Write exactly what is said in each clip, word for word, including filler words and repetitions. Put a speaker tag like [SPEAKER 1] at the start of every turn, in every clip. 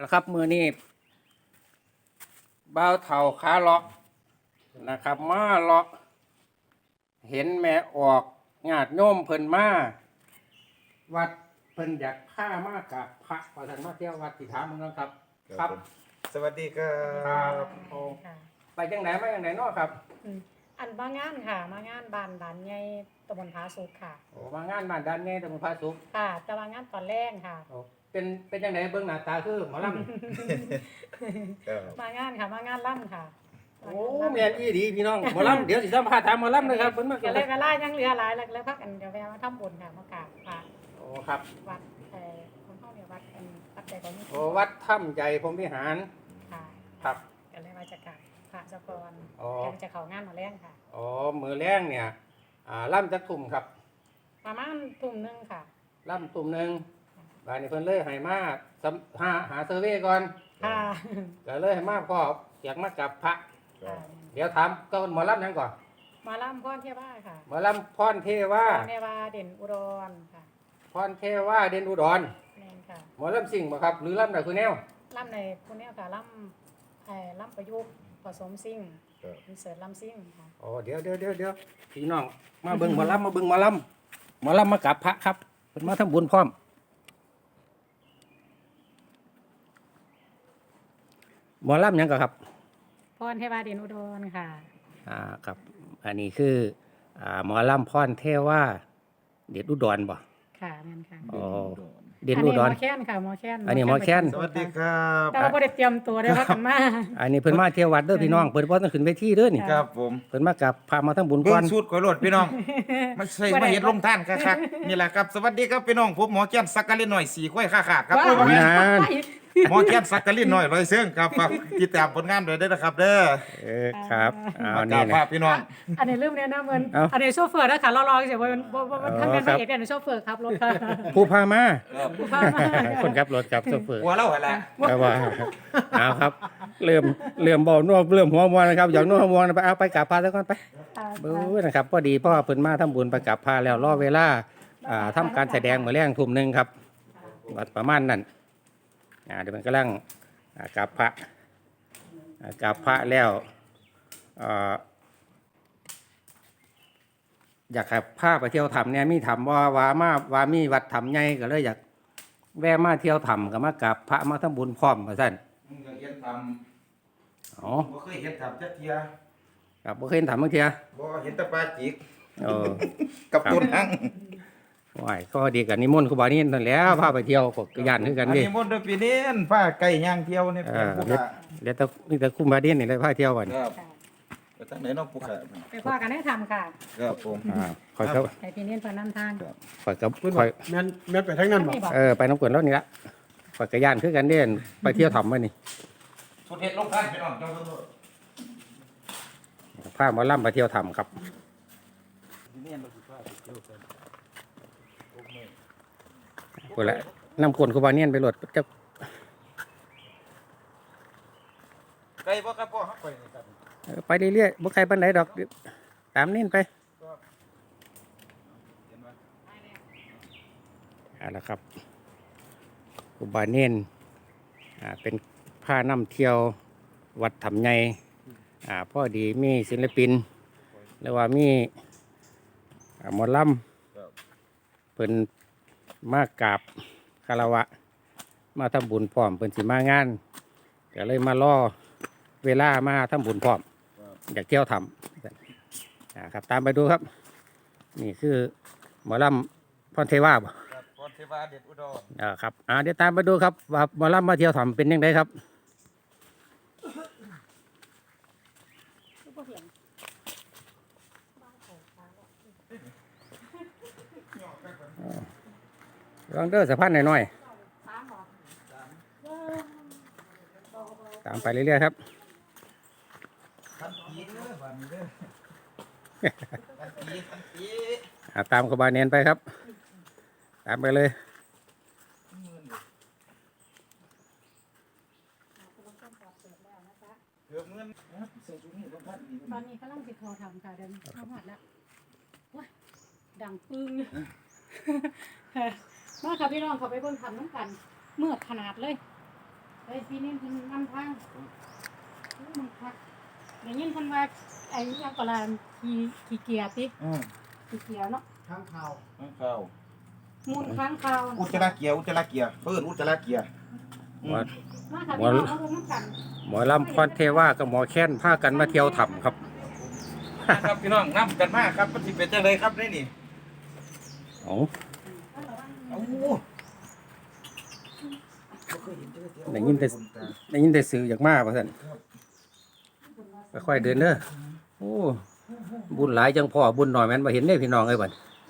[SPEAKER 1] ละครับมือนี้บ่าวเฒ่าขาเลาะนะครับมาเลาะเห็นแม่ออกญาติโยมเพิ่นมาวัดเพิ่นอยากพามากับพระประธานมาเที่ยววัดที่ถามมึงนะครับครับ
[SPEAKER 2] สวัสดีครั
[SPEAKER 1] ครับ
[SPEAKER 2] บ
[SPEAKER 1] โอ้ไปจังไหนมาจังไหนเนาะครับ
[SPEAKER 3] อืมอันมางานค่ะ มางานบ้านบ้านใหญ่ตำบลผาสุกค่ะ
[SPEAKER 1] โอ้มางานบ้านด้านนี้ตำบลพระสุข
[SPEAKER 3] ค่ะแต่ว่างานตอนแรกค่ะ
[SPEAKER 1] โอ้เป็นเป็นจังไหนเบิ่งหน้าตาคือหมอลำ
[SPEAKER 2] ครับ
[SPEAKER 3] มางานค่ะ มางานล่ำค่ะ
[SPEAKER 1] โอ้แม่นอีดีพี่น้องหมอลำเดี๋ยวสิสัมภาษณ์ถามหมอลำเลยครับเพิ่นมา
[SPEAKER 3] ก็เลยเวลายังเหลือหลายแล้วแล้วพักกันเดี๋ยวแวะมาทำบุญค่ะมากราบพระ
[SPEAKER 1] โอ้ครับ
[SPEAKER 3] วัดเอ่อคนเฮาเนี่ยวัดเป็นวัดใจของนี่
[SPEAKER 1] โอ้วัดถ้ำใจพรหมวิหาร
[SPEAKER 3] ค่ะ
[SPEAKER 1] ครับ
[SPEAKER 3] ก็เลยมาจะกราบพระเจ้าก่อน
[SPEAKER 1] อ๋อ
[SPEAKER 3] เดี๋ยวจะเข้างานมาแรงค่ะ
[SPEAKER 1] อ๋อมือแรงเนี่ยอ่าล่ำจักทุ่มครับ
[SPEAKER 3] ประมาณทุ่มหนึงค่ะ
[SPEAKER 1] ล่ำทุ่มหนึ่งบานนี้เพิ่นเลยให้มาสำหาหาเซอร์เวย์ก่อน
[SPEAKER 3] ค่ะ
[SPEAKER 1] ก็เลยให้มาพ่ออยากมากับพระ
[SPEAKER 3] ค่ะ
[SPEAKER 1] เดี๋ยวถามก็หมอลำนั้นก่อน
[SPEAKER 3] หมาล่ำพ่อเทียบ้าค่ะ
[SPEAKER 1] หมอลำพรเทวา
[SPEAKER 3] พ่อเทวาเด่นอุดรค่ะ
[SPEAKER 1] พรเทวาเด่นอุดร
[SPEAKER 3] แม่นค่ะ
[SPEAKER 1] หมอลำสิ่งบ่ครับหรือลำใดคือแนว
[SPEAKER 3] ล่ำในคุณเนี่ยค่ะล่ำเอ่อล่ำประยุกต์ผสมซิ่ง
[SPEAKER 2] ครับ
[SPEAKER 3] อินเสิร์ตล่ำซิ่งค่ะ
[SPEAKER 1] อ๋อเดี๋ยวเดี๋ยวเดี๋ยวเดี๋ยวพี่น้องมาเบิ่งหมอลำมาเบิ่งหมอลำหมอลำมากับพระครับเพิ่นมาทำบุญพร้อมหมอลำหยังก็ครับ
[SPEAKER 3] พรเทวาเด่นอุดรค่ะ
[SPEAKER 1] อ่าครับอันนี้คืออ่าหมอลำพรเทว่าเด็ดอุดรบ่
[SPEAKER 3] ค่ะแม่นค่ะ
[SPEAKER 1] อ๋อเด่นอุดร
[SPEAKER 3] นนี้หมอแค้นค่ะหมอแค้น
[SPEAKER 1] อันนี้หมอแค้น
[SPEAKER 2] สวัสดีครับ
[SPEAKER 3] แต่ว่าบ่ได้เตรียมตัวได้พักกันมา
[SPEAKER 1] อันนี้เพิ่นมาเที่ยววัดเด้อพี่น้องเพิ่นบ่ต้องขึ้นเวทีเด้อนี่
[SPEAKER 2] ครับผม
[SPEAKER 1] เพิ่นมากับพามาทำบุญ
[SPEAKER 2] เบิ่
[SPEAKER 1] ก่อง น
[SPEAKER 2] สูตรก๋วยรดพี่น้องมาใส่มาเห็ดลงท่านคักๆนี่แหละครับสวัสดีครับพี่น้องผมหมอแก้นสักกะลินหน่อยสี่ข้อยขาขาดครับ
[SPEAKER 3] ว้าว
[SPEAKER 1] นาน
[SPEAKER 2] หมอแก้นสักกะลินหน่อยร้อยเสื่องครับฝากติดตามผลงานด้วยเด้อนะครับเด้อ
[SPEAKER 1] เออครับเอา
[SPEAKER 2] มาก
[SPEAKER 1] นี่
[SPEAKER 2] ราบ
[SPEAKER 1] นะ
[SPEAKER 2] ภาพพี่น้อง
[SPEAKER 3] อันนี้ลืมแนะนำเพิ่น
[SPEAKER 1] เอ้า
[SPEAKER 3] อันนี้โชเฟอร์นะคะรอๆเฉยๆว่ามันบ่บ่บ่
[SPEAKER 1] อ๋อ
[SPEAKER 3] ทางการ
[SPEAKER 1] ครับ
[SPEAKER 3] เอกเนี่ยโชเฟอร์ขับรถค่ะ
[SPEAKER 1] ผู้พามา
[SPEAKER 3] ผู้พามา
[SPEAKER 1] คนขับรถกับโซเฟอร์
[SPEAKER 2] หัวเล่าหั่นแหละ
[SPEAKER 1] เอาว่าเอาครับ เริ่มเริ่มบ่นัวเริ่มหัวมวนนะครับอยากนัวหัวมวนไปเอาไปกราบพระซะก่อนไปเบ้อนะครับพอดีพ่อเพิ่นมาทำบุญไปกราบพระแล้วรอเวลาอ่าทำการแสดงมื้อแรงทุ่มหนึงครับวัดประมาณนั้นอ่าเดี๋ยวมันกำลังอ่ากราบพระอ่ากราบพระแล้วเอ่ออยากให้พาไปเที่ยวถ้ำเนี่ยมีถ้ำว่าว่ามาว่ามีวัดถ้ำใหญ่ก็เลยอยากแวะมาเที่ยวถ้ำก็มากราบพระมาทำบุญพร้อมว่าซั่น
[SPEAKER 2] มึงก็เห็นท
[SPEAKER 1] อ๋อ
[SPEAKER 2] ำบ่เคยเห็นทำจักเทีย
[SPEAKER 1] ครับบ่เคยเห็นถ้ำบางเทีย
[SPEAKER 2] บ่เห็นแตะปลาจิก
[SPEAKER 1] เออ
[SPEAKER 2] กับต้นหัง
[SPEAKER 1] ว้ายก็ดีกันนิมนต์ครูบานี่นั่นแหล้วพาไปเที่ยวก็ย่านคือกัน
[SPEAKER 2] อัน
[SPEAKER 1] ดิ
[SPEAKER 2] นี้มนต์เด้อพี่เน้นผ้าไก่ย่างเที่ยวนี่
[SPEAKER 1] เอ
[SPEAKER 2] เป็น
[SPEAKER 1] อ
[SPEAKER 2] ผู้
[SPEAKER 1] เดี๋ยว
[SPEAKER 2] ขา
[SPEAKER 1] เดี๋ยวแต่นี่แต่ครูบานี่นี่เลยพาเที่ยวกัน
[SPEAKER 2] ครับไปทางไหนเน้องผู้ขา
[SPEAKER 3] ไปพ่อกันให้ทำค่ะ
[SPEAKER 2] ครับผม
[SPEAKER 1] อ่าคอยเขา
[SPEAKER 3] ให้พี่เน้นเพิ่นนำทาง
[SPEAKER 1] คอยกับ
[SPEAKER 4] เพิ่น
[SPEAKER 1] ค
[SPEAKER 4] บอ
[SPEAKER 1] อย
[SPEAKER 4] กแม่นแม่นไปทางนั้นบ่
[SPEAKER 3] ไม่บอก
[SPEAKER 1] เออไปน้ำกวนแล้วนี่ละคอยกระย่านคือกันเด่นไปเที่ยวถ้ำมานี่
[SPEAKER 2] สุดเห็ดลงท่านพี่น้องจังเบิ่ง
[SPEAKER 1] พาหมอลำไปเที่ยวถ้ำครับพูดละน้ำกวนครูบานี่ไปโหลดจะ
[SPEAKER 2] ไก่บ่ครับพ่อครับไปนี่ครับ
[SPEAKER 1] เออไปเรื่อยๆบ่ใครปันไหนดอกตามนี่ไปเอาละครับครูบาเนียนอ่าเป็นผ้านำเที่ยววัดถ้ำใหญ่อ่าพอดีมีศิลปินหรือว่ามีอ่าหมอลำเพิ่นมากราบคารวะ มาทำบุญพร้อมเพิ่นสิมางานก็เลยมาล่อเวลามาทำบุญพร้อมอยากเที่ยวทำนะครับตามไปดูครับ นี่คือหมอลำพรเทวาบ่
[SPEAKER 2] ครับพรเทวาเด็ดอุดร
[SPEAKER 1] อ่าครับอ่าเดี๋ยวตามไปดูครับว่าหมอลำมาเที่ยวทำเป็นยังไงครับลองเด้อสะพานหน่อยๆตามไปเรื่อยๆครับ
[SPEAKER 2] ทันทีเด้อบ้านนี้เด้อทันทีทันที
[SPEAKER 1] อ่าตามครูบาเนียนไปครับ ตามไปเลย
[SPEAKER 2] เกือบหมื่นนะครับใส่ชุดนี้ลงท่านนี่
[SPEAKER 3] ตอนนี้กำลังสิโทรทำค่ะเดินเข้าหอดแล้วโอ้ยดังปึ้ง มาค่ะพี่น้องเขาไปเบิ่งทำน้ำกันเมื่อขนาดเลยเฮ้ยพี่นี่เพิ่นนำทางมันพักได้ยินเพิ่นว่าไอ้ยังก็ลานขี่ขี่เกียร์ติ
[SPEAKER 2] อืม
[SPEAKER 3] ขี่เกียร์เนาะ
[SPEAKER 4] ข้างข่าว
[SPEAKER 2] ข้างข้าว
[SPEAKER 3] มูลค้างคาว
[SPEAKER 2] อุจจาระเกียร์อุจจาระเกียร์เพิ่นอุจจาระเกียร์อืม
[SPEAKER 1] ว่า
[SPEAKER 3] มาค่ะพี่น้องเอาลงน้ำกัน
[SPEAKER 1] หมอลำพรเทวากับหมอแค้นพากันมาเที่ยวถ้ำครับ
[SPEAKER 2] ครับพี่น้องนํกันมาครับมันสิเป็นจังไดครับได้นี่
[SPEAKER 1] เอา
[SPEAKER 2] เอ้า
[SPEAKER 1] ได้ยินแต่ได้ยินแต่สื่ออยากมาว่าซั่นค่อยๆเดินเด้อโอ้บุญหลายจังพ่อบุญหน่อยแม่นบ่เห็นเด้พี่น้องเอ้ยบัด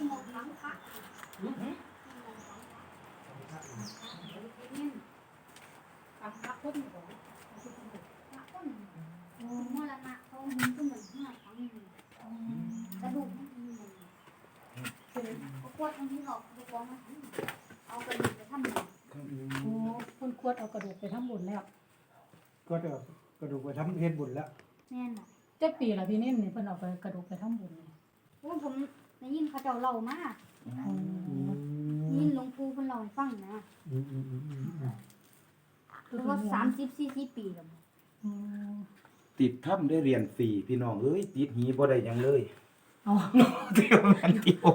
[SPEAKER 5] โอ้มรณะเขามันก็เหมือนห้าครั้งหนึ่งกระดูกมันมีมันเขาปวดตรงนี้หรอกดูกองมาเอากระดูกไปทำหมัน
[SPEAKER 3] โอ้เพิ่นควรเอากระดูกไปทำบุญแล้ว
[SPEAKER 4] ก็จะกระดูกไปทำเฮ็ดบุญแล้ว
[SPEAKER 5] แน่นอ่ะ
[SPEAKER 3] จักปีละพี่นิ่มนี่เพิ่นเอาไปกระดูกไปทำบุญนี่
[SPEAKER 5] โอ้ผมได้ยินเขาเจ้าเล่ามา
[SPEAKER 3] อ๋อ
[SPEAKER 5] ได้ยินหลวงปู่เพิ่นเล่าให้ฟังนะ
[SPEAKER 4] อืมอืมอืมอืมอืม
[SPEAKER 5] คือว่าสามสิบสี่สิบปีแล้ว
[SPEAKER 3] อ๋อ
[SPEAKER 2] ติดถ้ำได้เรียนฟรีพี่น้องเอ้ยติดหีบ่ได้หยังเลย
[SPEAKER 3] เอา
[SPEAKER 2] เที่ยวมันเที่ยว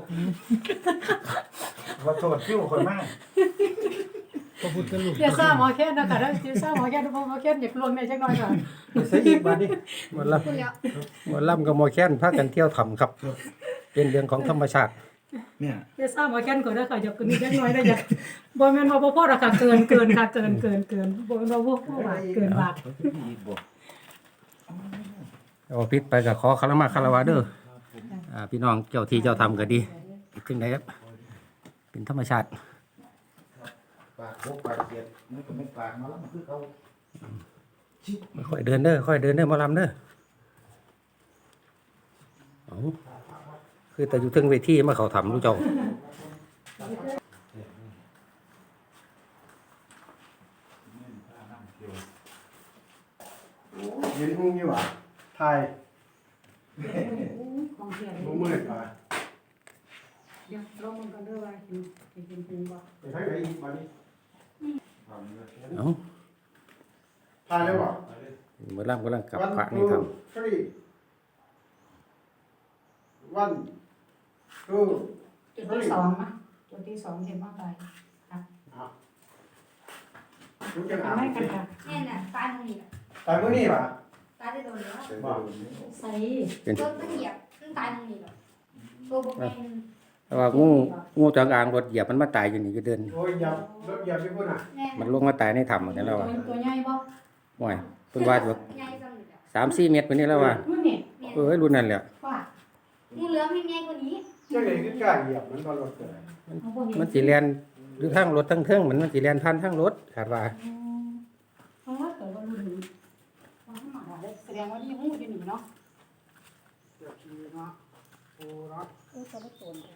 [SPEAKER 2] ว่าโทษคิวคนมาก
[SPEAKER 4] พระพุทธรูป
[SPEAKER 3] เดี๋ยวซ่าหมอแค้นนะคะเด้อเดี๋ยวซ่าหมอแค้นหมอแค้นอยากลวงในจักหน่อยก่อน
[SPEAKER 4] ไปใส่อีกบาดนี้
[SPEAKER 1] หมอล
[SPEAKER 5] คุณแล้ว
[SPEAKER 1] ำหมอลำกับหมอแค้นพากันเที่ยวถ้ำครับ เป็นเรื่องของธรรมชาติ
[SPEAKER 2] เนี่ย
[SPEAKER 3] เดี๋ยวซ่าหมอแค้นก่อนเด้อค่ะอยากกินจักหน่อยได้อยากบ่แม่นว่าบ่พอดอกค่ะเกินเกินค่ะเกินเกินเกินบ่แม่นว่าบ่พอบาทเกินบาท
[SPEAKER 2] อีกบ่
[SPEAKER 1] เอาพิษไปกับขอคารมาคารวะเด้ออ่าพี่น้องเจ้าที่เจ้าทำก็ดีจึงได้ครับเป็นธรรมชาติ
[SPEAKER 2] ปากโคกปากเสียดมันก็ไม่ปากมาแล้วมันคือเขา
[SPEAKER 1] ค่อยเดินเด้อค่อยเดินเด้อหมอลำเด้อเอาคือแต่อยู่ถึงเวทีมาเขาทำรู้เจ้า
[SPEAKER 4] เห็นหุ้งอยู่ว่ะถ่าย
[SPEAKER 3] ของเสีย
[SPEAKER 4] บ่มืดว่ะ
[SPEAKER 3] เดี๋ยวลองมันกันเด้อว่าเห็นเห็นเป็นบ่
[SPEAKER 4] ไปทางไหนอีกบาดนี้
[SPEAKER 1] เอา
[SPEAKER 4] ถ่ายแล้วบ่
[SPEAKER 1] หมอลำกำลังกลับพระนี่ท
[SPEAKER 4] ทรีวันทู
[SPEAKER 3] จุดที่สองนะจุดที่สองเห็นว่าไปค่ะ
[SPEAKER 4] อ่ะทุกอย่างอ่ะ
[SPEAKER 3] ไม่กันค่ะ
[SPEAKER 5] แน่นอ่ะตายตรงนี้อ่ะ
[SPEAKER 4] ตายมื้อนี้ว่ะ
[SPEAKER 5] ตายได้โดนแล้ว
[SPEAKER 4] บ่
[SPEAKER 3] ใส่
[SPEAKER 1] ำเป็น
[SPEAKER 5] รถมันเหยียบมันตายตรงนี้หรอกตัวบ่เป็น
[SPEAKER 1] แต่ว่างูงูจงอางรถเหยียบมันมาตายอยู่นี่จะเดิน
[SPEAKER 4] โอ้ยอย่าลดอย่าไปพุ่นน่ะ
[SPEAKER 5] แน่น
[SPEAKER 1] มันลงมาตายในถ้ำเหมือนกันแล้ว
[SPEAKER 3] ตัว
[SPEAKER 1] ว่า
[SPEAKER 3] ตัวใหญ่บ่
[SPEAKER 1] ห่วยเพิ่นว่าแบบ
[SPEAKER 5] ใหญ่จังเลยอ่ะ
[SPEAKER 1] สามสี่เมตรวันนี้แล้วว่า
[SPEAKER 3] นู่นนี่
[SPEAKER 5] แม่น
[SPEAKER 1] เอ้ยรุ่นนั้นแหละ
[SPEAKER 3] ว่า
[SPEAKER 5] งูเหลือมให้ใหญ่กว่านี้
[SPEAKER 4] จังได๋คือกล้าเหยียบมันบ่รถเกิด
[SPEAKER 3] เอาบ่เห็น
[SPEAKER 1] มันสีแลนหรือทางรถทั้งเทิงมันมันสีแลนผ่านทางรถขาดว่า
[SPEAKER 3] เพราะว่าเกิดว่ารุ่นนี้ว่าธรรมดาเลยแสดงว่าที่หูอยู่นี่เนาะ
[SPEAKER 4] เดี๋ยวขี่เนาะโอ้เนาะ
[SPEAKER 3] เออตัวละตัวเลย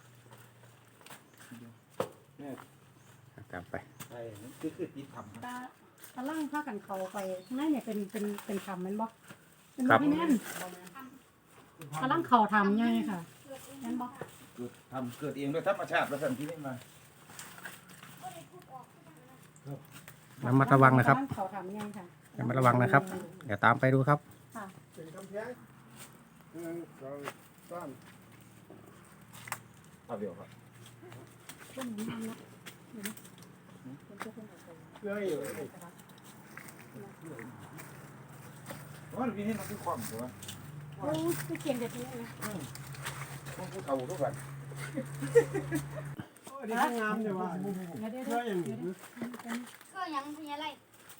[SPEAKER 1] ตามไป
[SPEAKER 2] ใช่คือคือติดถ้ำ
[SPEAKER 3] ตาตาล่างพากันเข้าไปข้างในเนี่ยเป็นเป็นเป็นคำแม่นบ่เป็นบ่พี่แน่นตาล่างเข้าทำใหญ่ค่ะแม่นบ่
[SPEAKER 2] เกิดทำเกิดเองด้วยธรรมชาติแล้วท่านที่นี่มา
[SPEAKER 1] ระมัดระวังนะครับ
[SPEAKER 3] ตาล่างเข้าทำใหญ่ค่ะ
[SPEAKER 1] ระมัดระวังนะครับเดี๋ยวตามไปดูครับ
[SPEAKER 3] ค่ะ
[SPEAKER 4] เป็นกำแพงหนึ่งสองสาม
[SPEAKER 2] เอาเดี๋ยวครับ
[SPEAKER 3] ช่วงนี้มันเนาะเดี๋ยวนะเป็นเจ้าคนเอาไป
[SPEAKER 4] เรื่องอยู่
[SPEAKER 2] ว่าพี่นี่มันคือความใช่ไหม
[SPEAKER 3] โอ้ยคือเก่งเด็ดนี้นะ
[SPEAKER 2] ต้องพูดเอาทุกวัน
[SPEAKER 4] โอ้ยนี่งามอยู่ว่ะ
[SPEAKER 3] เดี๋ยวเดี๋ยว
[SPEAKER 4] เรื่
[SPEAKER 3] เดี๋
[SPEAKER 4] อ
[SPEAKER 3] ยว
[SPEAKER 4] งอย่างนี้
[SPEAKER 5] เครื่องยังพญาไล่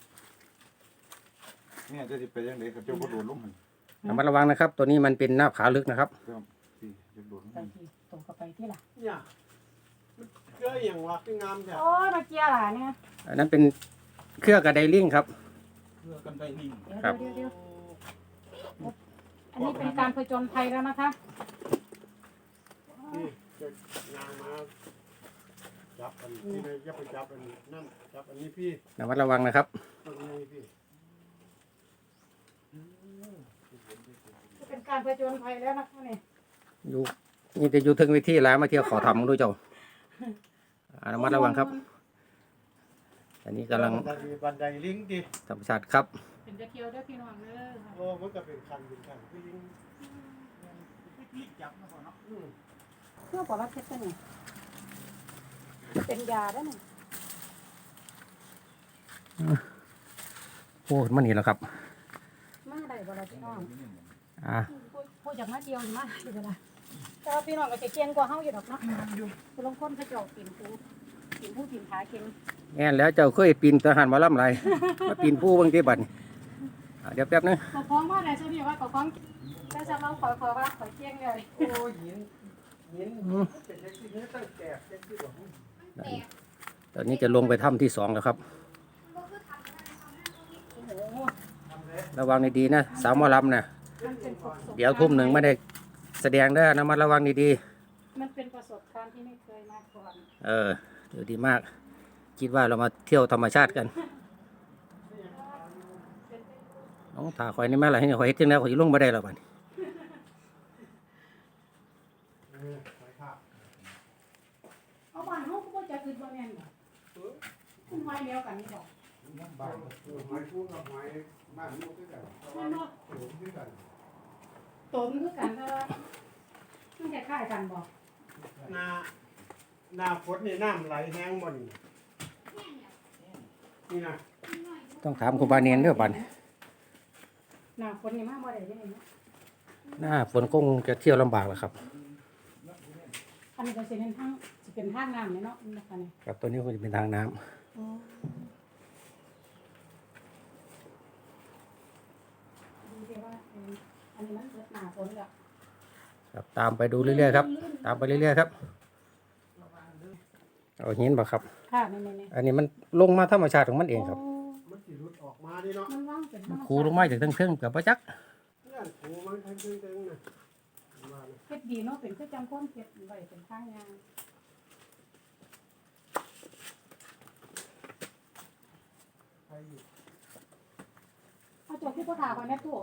[SPEAKER 2] เนี่ยจะไปยังไงกับเจ้าก็โดนลุ่มมัน
[SPEAKER 1] ระมัดระวังนะครับ ตัวนี้มันเป็นหน้าผาลึกนะครับ
[SPEAKER 2] ครับที่จะโดน
[SPEAKER 3] ไปที่ตรงกับไปที่ล่ะ
[SPEAKER 4] เนี่ยเรื่องอย่างว่ะคืองามจ้ะ
[SPEAKER 3] โอ้ยมาเกียร์ล่ะเนี่ย
[SPEAKER 1] อันนั้นเป็นเครือกระไดลิงครับ
[SPEAKER 2] เพื่อกันได้ลิง
[SPEAKER 3] เดี๋ยว
[SPEAKER 1] ครับ
[SPEAKER 3] เดี๋ยวเดี๋ยวอันนี้เป็นการผจญภัยแล้วนะคะ
[SPEAKER 4] นี่จะงามมาจับอันที่ไหนอย่าไปจับอันนั่นจับอันนี้พี่
[SPEAKER 1] ระมัดระวังนะครับ
[SPEAKER 4] อันนี้พี่
[SPEAKER 3] เป็นการผจญภัยแล้วนะคะเนี่ย
[SPEAKER 1] อยู่นี่จะอยู่ถึงเวิธีแล้วมาเที่ยวเขาทำดูเจ้าอ่าระมัดระวังครับอันนี้กำลัง
[SPEAKER 4] บันไดบันไดลิงดิ
[SPEAKER 1] ธรรมชาติครับ
[SPEAKER 3] เป็นจะเที่ยวเด้อพี่น้องเด้อค่ะ
[SPEAKER 4] โอ้มันก็เป็นคันเป็นคันคือลิง
[SPEAKER 2] พี่จับมาก่อนเนาะ
[SPEAKER 4] อืม
[SPEAKER 3] เพื่อบอกว่าเพชรตัวนี้เป็นยาได้ไหม
[SPEAKER 1] โอ้มันนี่แหละครับ
[SPEAKER 3] มาได้บ่ล่ะพี่น้อง
[SPEAKER 1] อ่า
[SPEAKER 3] พูดจากมาเดียวนี่มาได้บ่ล่ะแต่ว่าพี่น้องก็จะเก่งกว่าเฮาอยู่ดอกเนาะผู้ลงคนเขาเจ้าปีนผู้ปีนผู้ปีนขาเก่ง
[SPEAKER 1] แง่นแล้วเจ้าเคยปีนทหารหมาล่ำไร มาปีนผู้เบางทีบัดนี้อ่าเดี๋ยวแป๊บนึง
[SPEAKER 3] ก็ฟ้องว่าได้ซะนี่ว่าก็ฟ้องแต่จะเราขอขอว่าขอเก่งเลย
[SPEAKER 4] โอ้หินหินเป็นเล็กที่นี้ตั้งแก่เล็กที่บอก
[SPEAKER 5] แตก
[SPEAKER 1] ตอนนี้จะลงไปถ้ำที่สองแล้วครับ
[SPEAKER 5] ก็คือทำอะไรทำหน้าตรงนี้
[SPEAKER 3] โอ้โห
[SPEAKER 1] ระวังดีๆนะสาวหมอลำนะ
[SPEAKER 3] มันเป็นประสบ
[SPEAKER 1] เดี๋ยวทุ่มหนึ่งไม่ได้แสดงได้อนะมาระวังดี
[SPEAKER 3] มันเป็นประสบการณ์ที่ไม่เคยมาก่อน
[SPEAKER 1] ๆเออเดี๋ยวดีมาก คิดว่าเรามาเที่ยวธรรมชาติกันน้องถาคอยนี่แม่อะไรให้คอยเฮ็ดจังแล้วคอยสิลงมาได้แล้วบัดนี้
[SPEAKER 4] เออไปภาพ
[SPEAKER 3] เอาบ้านเฮาก็บ่จะคืนบ่แม่นบ่คุณไว้แล้วกันนี่บ่
[SPEAKER 4] บ้านไม้คู่กับไม้บ้านลูกด้วยกัน
[SPEAKER 3] แม่นบ่
[SPEAKER 4] โอ้ด้วยกัน
[SPEAKER 3] ตนคือกันแต่ว่ามันคล้ายๆกันบ่
[SPEAKER 4] หน้าหน้าฝนนี่น้ำไหลแห้งบ่นี่นี่นะ
[SPEAKER 1] ต้องถามครูบาเนียนเด้อบัดนี้
[SPEAKER 3] หน้าฝนนี่มาบ่ได้เด้เนาะ
[SPEAKER 1] หน้าฝนคงจะเที่ยวลำบากแล้วครับ
[SPEAKER 3] อันนี้ก็สิเป็นทางสิเป็นทางน้ำนี่เนาะนี่ค่ะนี่
[SPEAKER 1] ครับตัวนี้คงจะเป็นทางน้ำ
[SPEAKER 3] อ๋อดูสิว่าเอออันนี้มันเกิดหน้าฝนแล้ว
[SPEAKER 1] ครับตามไปดูเรื่อยๆครับ ตามไปเรื่อยๆครับเอาหินบ่ครับ
[SPEAKER 3] ค่ะนี่ๆ
[SPEAKER 1] อันนี้มันลงมาธรรมชาติของมัน
[SPEAKER 3] ๆ
[SPEAKER 1] เองครับ
[SPEAKER 3] โ
[SPEAKER 4] มันสิรุดออกมาดิเนาะ
[SPEAKER 3] มันว่างเป็นธรรมชาติ
[SPEAKER 1] คูลงมาจากทั้งเครื่องกับประจัก
[SPEAKER 4] เนี่ยโอ้มันทั้งเต็งๆนะว่านะ
[SPEAKER 3] เฮ็ดดีเนาะเป็นคือจังความเฮ็ดไว้เป็นทางยาง
[SPEAKER 4] ไปอยู่
[SPEAKER 3] เอาจบที่พ่อถาก่อนแม่ตู้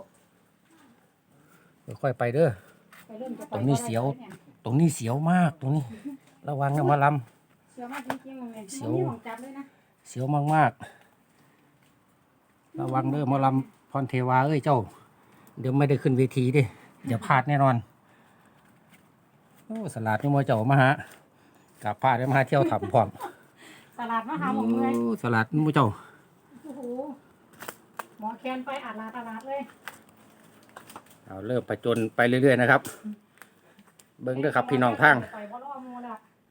[SPEAKER 1] ค่อยๆไปเด้อ
[SPEAKER 3] ไปเริ่มจะไป
[SPEAKER 1] ตรงนี้เสียว
[SPEAKER 3] บ่ได้
[SPEAKER 1] ตรงนี้เสียวมากตรงนี้ ระวังนะหมาล
[SPEAKER 3] เสียวมากจริงๆเลย
[SPEAKER 1] เสียว
[SPEAKER 3] มันมีหวังจับเลยนะ
[SPEAKER 1] ำเสียวมากๆระวังเด้อหมาลำพรเทวาเอ้ยเจ้า เดี๋ยวไม่ได้ขึ้นเวทีเดิอย่าพลาดแน่นอนโอ้สลัดนี่มอเจ้ามาฮะกับพลาดได้มาหาเที่ยวถ้ำพร้อม
[SPEAKER 3] ตลาดมาหาหมองเมื่อย
[SPEAKER 1] โอ้สลัดนี่มอเจ้า
[SPEAKER 3] โอ้โหหมอแคนไปอาดลาตลาดเลย
[SPEAKER 1] เอาเริ่มไปจนไปเรื่อยๆนะครับ เบิ้งเด้อครับพี่น้องทาง
[SPEAKER 3] ไปบ่รอหมูละ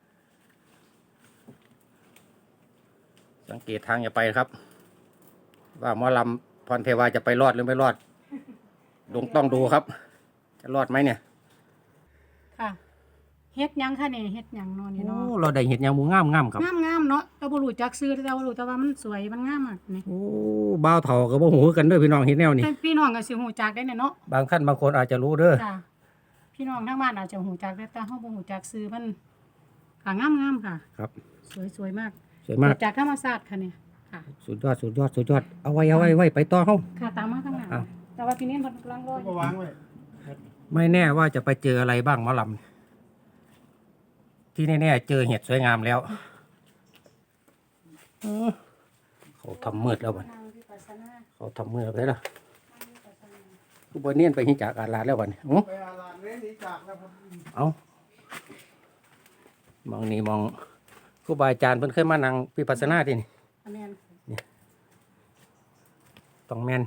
[SPEAKER 1] สังเกตทางอย่าไปครับ ว่าหมอลำพรเทวาจะไปรอดหรือไม่รอดลงต้องดูครับ จะรอดไหมเนี่ย
[SPEAKER 3] ค่ะเฮ็ดหยังค่ะนี่เฮ็ดหยังเนาะนี่
[SPEAKER 1] โอ้
[SPEAKER 3] เนาะ
[SPEAKER 1] เราได้เห็นอย่างหมูงามงามๆครับ
[SPEAKER 3] งามๆเนาะแต่บ่รู้จักซื้อแต่ว่ารู้แต่ว่ามันสวยมันงามมากนี่
[SPEAKER 1] โอ้บ่าวเฒ่ากับบ่หูกันเด้อพี่น้องเห็นแนวนี้
[SPEAKER 3] แต่พี่น้องก็สิฮู้จักได้เนี่ยเนาะ
[SPEAKER 1] บางท่านบางคนอาจจะรู้เด้อ
[SPEAKER 3] จ้ะพี่น้องทางบ้านอาจจะฮู้จักได้แต่เฮาบ่ฮู้จักซื้อมันค่ะงามๆค่ะ
[SPEAKER 1] ครับ
[SPEAKER 3] สวยๆมาก
[SPEAKER 1] สวยมาก
[SPEAKER 3] เกิดจากธรรมชาติค่ะเนี่ยค่ะ
[SPEAKER 1] สุดยอดสุดยอดสุดยอดเอาไว้เอาไว้ไว้ไปต่อเฮา
[SPEAKER 3] ค่ะตามมาข้างหน้า
[SPEAKER 1] อ้าว
[SPEAKER 3] แต่ว่าพี่เน้นเพิ่นกำลังรออ
[SPEAKER 4] ก็
[SPEAKER 3] ยู่
[SPEAKER 4] วางไว้
[SPEAKER 1] ไม่แน่ว่าจะไปเจออะไรบ้างหมอลำที่แน่ๆเจอเห็ดสวยงามแล้วเออเขาทำมืดแล้วบัด
[SPEAKER 3] ทางวิปัสสนา
[SPEAKER 1] เขาทำมืดแล้วไปแล้ว
[SPEAKER 3] ทางวิปัสสนา
[SPEAKER 1] กูบอเนียนไปหิจากอาลาดแล้วบัดนี้อื้อ
[SPEAKER 4] ไปอาลานเล่นนี้จากแล้วครับ
[SPEAKER 1] เอามองนี่มองครูบาอาจารย์เพิ่นเคยมานั่งวิปัสสนาที่นี่
[SPEAKER 3] อาเมน
[SPEAKER 1] ต้องแม่น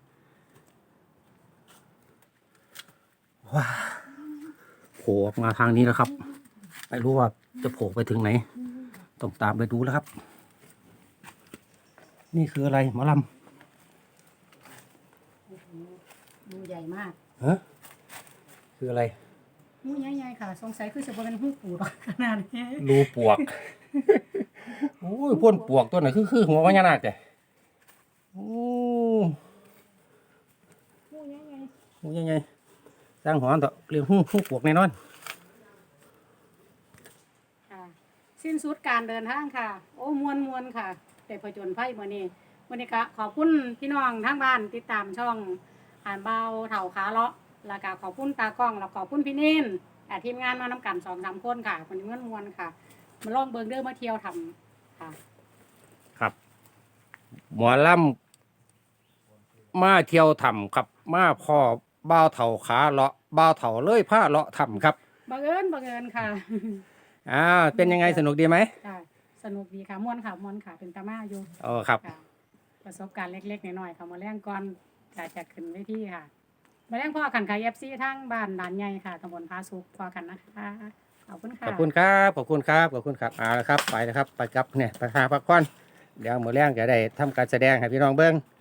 [SPEAKER 1] ว้าโผล่ออกมาทางนี้แล้วครับ ไม่รู้ว่าจะโผล่ไปถึงไหน ต้องตามไปดูแล้วครับ นี่คืออะไรหมอล
[SPEAKER 3] งูใหญ่มาก
[SPEAKER 1] ำฮะคืออะไร
[SPEAKER 3] งูใหญ่ๆค่ะ สงสัยคือจะบ่เป็นหูปูดอกขนาดนี้
[SPEAKER 1] รูปวก โอ้ยพ่นปวกตัวไหนคือคือหัวพญานาคแต่โอ้
[SPEAKER 3] งูใหญ่
[SPEAKER 1] หูยังไงสร้างหัวต่อเรียงหูหูปวกแน่นอน
[SPEAKER 3] ๆค่ะ สิ้นสุดการเดินทางค่ะ โอ้มวนมวนๆค่ะแต่ผจญภัยมื้อนี้วันนี้ก็ขอบคุณพี่น้องทางบ้านติดตามช่องอ่านเบาเฒ่าขาเลาะแล้วก็ขอบคุณตากล้องแล้วขอบคุณพี่นินแต่ทีมงานมานำกันสองสามคนค่ะวันนี้มวนมวนๆค่ะ มาลองเบิ่งเด้อมาเที่ยวทำค่ะ
[SPEAKER 1] ครับหมอลำมาเที่ยวถ้ำครับ มาพ่อบ้าวเถาขาเลาะบ้าวเถาเลยผ้าเลาะถ้ำครับ
[SPEAKER 3] บังเอิญบังเอิญค่ะ
[SPEAKER 1] อ่าเป็นยังไงสนุกดีไหม
[SPEAKER 3] ค่ะสนุกดีค่ะม่วนค่ะม่วนค่ะเป็นตามาอยู่
[SPEAKER 1] อ๋อครับ
[SPEAKER 3] ค่ะประสบการณ์เล็กๆน้อยๆค่ะมาแรงก่อนจะจะขึ้นเวทีค่ะมาแรงพ่อกันค่ะ เอฟ ซี ทั้งบ้านด่านใหญ่ค่ะตำบลพาสุกพ่อกันนะคะขอบคุณค่ะ
[SPEAKER 1] ขอบคุณครับขอบคุณครับขอบคุณครับเอาละครับไปนะครับไปครับเนี่ยไปหาพักผ่อนเดี๋ยวมื้อแรงจะได้ทำการแสดงให้พี่น้องเบิ่ง